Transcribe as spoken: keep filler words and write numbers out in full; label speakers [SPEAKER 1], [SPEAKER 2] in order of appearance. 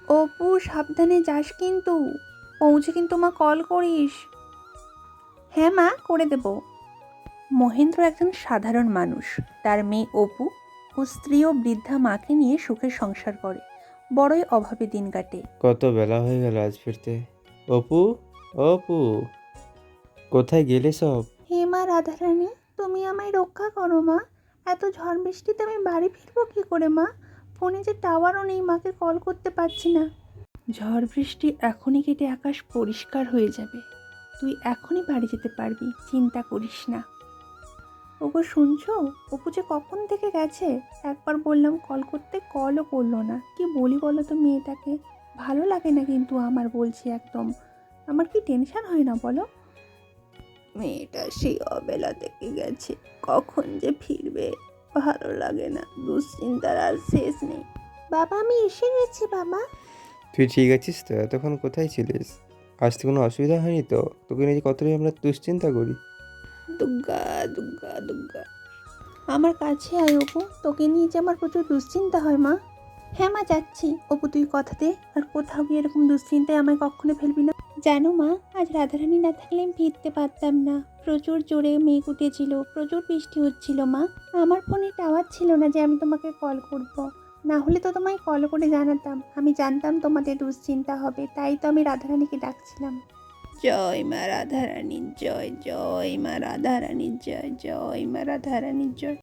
[SPEAKER 1] অপু সাবধানে যাস কিন্তু, পৌঁছে কিন্তু মা কল করিস। হ্যাঁ মা, করে দেব। মহেন্দ্র একজন সাধারণ মানুষ। তার মেয়ে অপু ও স্ত্রী ও বৃদ্ধা মাকে নিয়ে সুখের সংসার করে, বড়ই অভাবে দিন কাটে।
[SPEAKER 2] কত বেলা হয়ে গেল আজ ফিরতে। অপু, অপু, কোথায় গেলে সব?
[SPEAKER 1] হে মা রাধারানী, তুমি আমায় রক্ষা করো মা। এত ঝড় বৃষ্টিতে আমি বাড়ি ফিরবো কি করে মা? ফোনে যে টাওয়ারও নেই, মাকে কল করতে পারছি না। ঝড় বৃষ্টি এখনই কেটে আকাশ পরিষ্কার হয়ে যাবে। তুই এখনই বাড়ি যেতে পারবি, চিন্তা করিস না। ওগো শুনছো, অপু যে কখন থেকে গেছে। একবার বললাম কল করতে, কলও করলো না। কি বলি বলো তো মেয়েটাকে, ভালো লাগে না কিন্তু আমার, বলছি একদম। আমার কি টেনশন হয় না বলো? মেয়েটা সেই অবেলা থেকে গেছে, কখন যে ফিরবে ভালো লাগে না, দুশ্চিন্তার আর শেষ নেই। বাবা আমি এসে গেছি বাবা।
[SPEAKER 2] তুই ঠিক আছিস তো? এতক্ষণ কোথায় ছিলিস? আসতে কোনো অসুবিধা হয়নি তো? তোকে নিয়ে কতটাই আমরা দুশ্চিন্তা করি।
[SPEAKER 1] দুগ্গা দুগ্গা দুগ্গা, আমার কাছে আয় অপু, তোকে নিয়ে যে আমার প্রচুর দুশ্চিন্তা হয় মা। হ্যাঁ মা যাচ্ছি। অপু তুই কথা দে, আর কোথাও গিয়ে এরকম দুশ্চিন্তায় আমায় কখনো ফেলবি না। জানো মা, আজ রাধারানী না থাকলে আমি ফিরতে পারতাম না। প্রচুর জোরে মেঘ উঠেছিল, প্রচুর বৃষ্টি হচ্ছিল মা। আমার ফোনে টাওয়ার ছিল না যে আমি তোমাকে কল করব। না হলে তো তোমায় কল করে জানাতাম। আমি জানতাম তোমাদের দুশ্চিন্তা হবে, তাই তো আমি রাধারানীকে ডাকছিলাম। জয় মা রাধারানীর জয়, জয় মা রাধারানীর জয়, জয় মা রাধারানীর জয়।